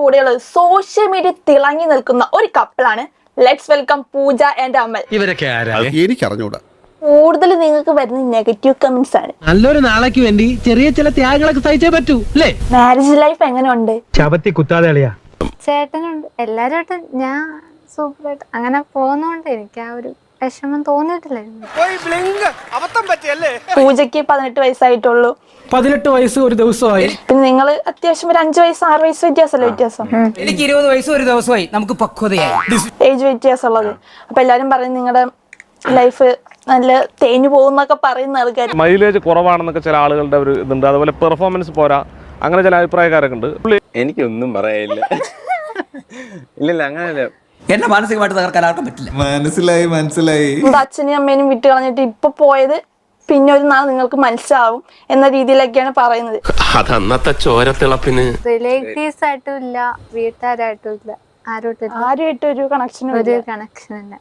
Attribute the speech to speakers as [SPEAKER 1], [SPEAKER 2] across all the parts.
[SPEAKER 1] കൂടെയുള്ളത് social media തിളങ്ങി നിൽക്കുന്ന ഒരു കപ്പിളാണ്. Let's welcome Pooja and Amal.
[SPEAKER 2] ഇവരൊക്കെ
[SPEAKER 3] എനിക്കറിഞ്ഞൂടാ.
[SPEAKER 1] കൂടുതൽ നിങ്ങൾക്ക് വരുന്ന നെഗറ്റീവ് കമന്റ്സ് ആണ്.
[SPEAKER 2] നല്ലൊരു നാളേക്ക് വേണ്ടി ചെറിയ ചില ത്യാഗങ്ങളൊക്കെ സഹിച്ചേ പറ്റൂ അല്ലേ?
[SPEAKER 1] മാരേജ് ലൈഫ് എങ്ങനെയുണ്ട്?
[SPEAKER 2] ശബത്തി കുത്താതെ കളിയാ.
[SPEAKER 4] ചേട്ടനുണ്ട് എല്ലാവരുമായിട്ട് ഞാൻ സൂപ്പറായിട്ട് അങ്ങനെ പോകുന്നോണ്ട് എനിക്ക് ആ ഒരു വിഷമം തോന്നിയിട്ടില്ലായിരുന്നു.
[SPEAKER 1] പൂജയ്ക്ക് 18 വയസ്സായിട്ടുള്ളൂ.
[SPEAKER 2] 18 വയസ്സ് ഒരു ദിവസമായി.
[SPEAKER 1] പിന്നെ നിങ്ങൾ അത്യാവശ്യം ഒരു 5 വയസ്സ് 6 വയസ്സ് വ്യത്യാസമല്ലേ? വ്യത്യാസം
[SPEAKER 5] എനിക്ക് 20 വയസ്സ് ഒരു ദിവസമായി. നമുക്ക് പക്വതയായി
[SPEAKER 1] ഏജ് വ്യത്യാസമുള്ളത്. അപ്പൊ എല്ലാരും പറയും നിങ്ങളുടെ ലൈഫ് നല്ല തേഞ്ഞു പോകുന്നൊക്കെ പറയുന്ന ആൾക്കാർ.
[SPEAKER 6] മൈലേജ് കുറവാണെന്നൊക്കെ ചില ആളുകളുടെ ഒരു ഇതുണ്ട്. അതുപോലെ പെർഫോമൻസ് പോരാ, അങ്ങനെ ചില അഭിപ്രായക്കാരൊക്കെ ഉണ്ട്.
[SPEAKER 7] എനിക്കൊന്നും പറയാനില്ല. ഇല്ലില്ല, അങ്ങനെയല്ല.
[SPEAKER 5] എന്നെ മാനസികമായിട്ട് തകർക്കാൻ ആർക്കും പറ്റില്ല.
[SPEAKER 3] മനസ്സിലായി.
[SPEAKER 1] അച്ഛനെയും അമ്മേനും വിട്ട് കളഞ്ഞിട്ട് ഇപ്പൊ പോയത് പിന്നെ ഒരു നാൾ നിങ്ങൾക്ക് മനസ്സിലാവും എന്ന രീതിയിലൊക്കെയാണ് പറയുന്നത്.
[SPEAKER 8] അതന്നത്തെ ചോരത്തിളപ്പിന്
[SPEAKER 4] റിലേറ്റീവ്സ് ആയിട്ടും ഇല്ല, വീട്ടുകാരായിട്ടും ഇല്ല,
[SPEAKER 1] ആരുമായിട്ട് ഒരു കണക്ഷനും
[SPEAKER 4] ഒരു കണക്ഷൻ ഇല്ല.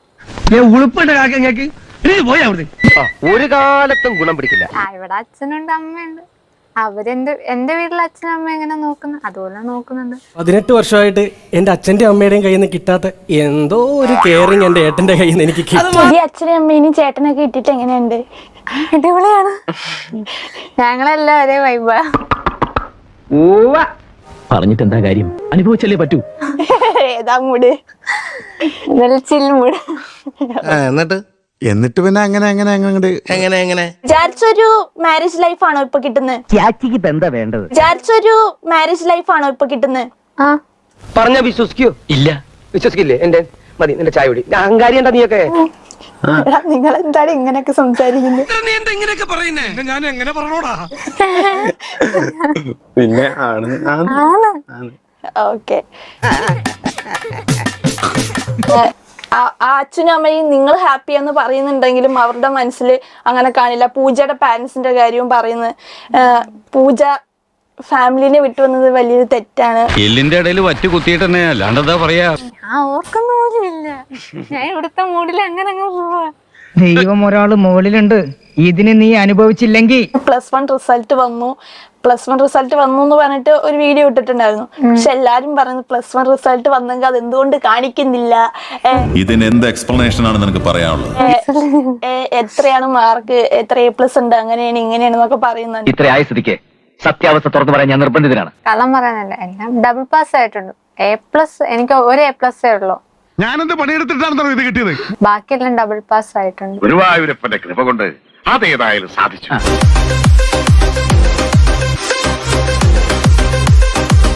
[SPEAKER 8] ഒരു കാലത്തും ഗുണം പിടിക്കില്ല.
[SPEAKER 4] ഇവിടെ അച്ഛനുണ്ട് അമ്മയുണ്ട്. എന്റെ വീട്ടിലെ അച്ഛനും അമ്മ എങ്ങനെ നോക്കുന്നു അതുപോലെ നോക്കുന്നുണ്ട്.
[SPEAKER 2] 18 വർഷമായിട്ട് എന്റെ അച്ഛന്റെ അമ്മയുടെയും കയ്യിൽ നിന്ന് കിട്ടാത്ത എന്തോ ഒരു കെയറിങ് എന്റെ ഏട്ടന്റെ കയ്യിൽ നിന്ന് എനിക്ക് കിട്ടും.
[SPEAKER 1] ഈ അച്ഛനെയും അമ്മേനും ചേട്ടനൊക്കെ ഇട്ടിട്ട് എങ്ങനെയുണ്ട്?
[SPEAKER 4] അടിപൊളിയാണ്. ഞങ്ങളെല്ലാം ഒരേ വൈബാ.
[SPEAKER 9] പറഞ്ഞിട്ട് എന്താ കാര്യം? അനുഭവിച്ചല്ലേ പറ്റൂ.
[SPEAKER 1] ഏതാ മൂട്? ചിൽ മൂട്.
[SPEAKER 3] എന്നിട്ട് പിന്നെ അങ്ങനെ
[SPEAKER 1] വിചാരിച്ചൊരു മാരേജ് ലൈഫ് ആണോ ഇപ്പൊ കിട്ടുന്നത്?
[SPEAKER 9] എന്താ വേണ്ടത്?
[SPEAKER 1] വിചാരിച്ചൊരു മാരേജ് ലൈഫ് ആണോ ഇപ്പൊ കിട്ടുന്നത്?
[SPEAKER 4] ആ
[SPEAKER 8] പറഞ്ഞ വിശ്വസിക്കോ? ഇല്ല, വിശ്വസിക്കില്ലേ? എന്റെ മതി, നിന്റെ ചായ കുടി. അഹങ്കാരി എന്താ നീയൊക്കെ?
[SPEAKER 1] നിങ്ങൾ എന്താണ് ഇങ്ങനെയൊക്കെ സംസാരിക്കുന്നത്?
[SPEAKER 2] ഞാൻ എങ്ങനെ പറഞ്ഞോടാ?
[SPEAKER 7] പിന്നെ ആണ്.
[SPEAKER 1] ഓക്കെ. ആ അച്ഛനും അമ്മയും നിങ്ങൾ ഹാപ്പി എന്ന് പറയുന്നുണ്ടെങ്കിലും അവരുടെ മനസ്സിൽ അങ്ങനെ കാണില്ല. പൂജയുടെ പാരന്റ്സിന്റെ കാര്യവും പറയുന്നത്. പൂജ ഫാമിലിനെ വിട്ടുവന്നത് വലിയൊരു തെറ്റാണ്.
[SPEAKER 10] എല്ലിന്റെ ഇടയിൽ വറ്റ് കുത്തിയിട്ട് തന്നെ അല്ലാണ്ടെന്താ പറയാ?
[SPEAKER 4] ഞാൻ ഓർക്കുന്ന പോലും ഇല്ല. ഞാൻ ഇവിടുത്തെ മൂഡിൽ അങ്ങനെ അങ്ങ് പോവാ.
[SPEAKER 5] ദൈവം ഒരാള് മുകളിലുണ്ട്. ഇതിന് നീ അനുഭവിച്ചില്ലെങ്കിൽ
[SPEAKER 1] +1 റിസൾട്ട് വന്നു എന്ന് പറഞ്ഞിട്ട് ഒരു വീഡിയോ ഇട്ടിട്ടുണ്ടായിരുന്നു. പക്ഷെ എല്ലാരും പറയുന്നത് +1 റിസൾട്ട് വന്നെങ്കിൽ അത് എന്തുകൊണ്ട് കാണിക്കുന്നില്ല,
[SPEAKER 3] ഇതിന് എന്ത് എക്സ്പ്ലനേഷൻ ആണ് നിനക്ക് പറയാനുള്ളത്?
[SPEAKER 1] എത്രയാണ് മാർക്ക്, എത്ര A+ ഉണ്ട്, അങ്ങനെയാണ് ഇങ്ങനെയാണ് എന്നൊക്കെ പറയുന്നത്.
[SPEAKER 9] ഇത്ര ആയ സ്ഥിതിക്ക് സത്യാവസ്ഥ തുറന്നു പറയാൻ ഞാൻ നിർബന്ധിതനാണ്.
[SPEAKER 4] കള്ളം പറയാനല്ല, എല്ലാം ഡബിൾ പാസ് ആയിട്ടുണ്ട്. A+ എനിക്ക് ഒരു A+ ഉള്ളൂ.
[SPEAKER 6] ഞാനെന്ത് പണിയെടുത്തിട്ടാണ് ഇത് കിട്ടിയത്?
[SPEAKER 4] ബാക്കിയെല്ലാം ഡബിൾ പാസ് ആയിട്ടുണ്ട്.
[SPEAKER 10] ഗുരുവായൂരപ്പന്റെ കൃപ കൊണ്ട് അതേതായാലും സാധിച്ചു.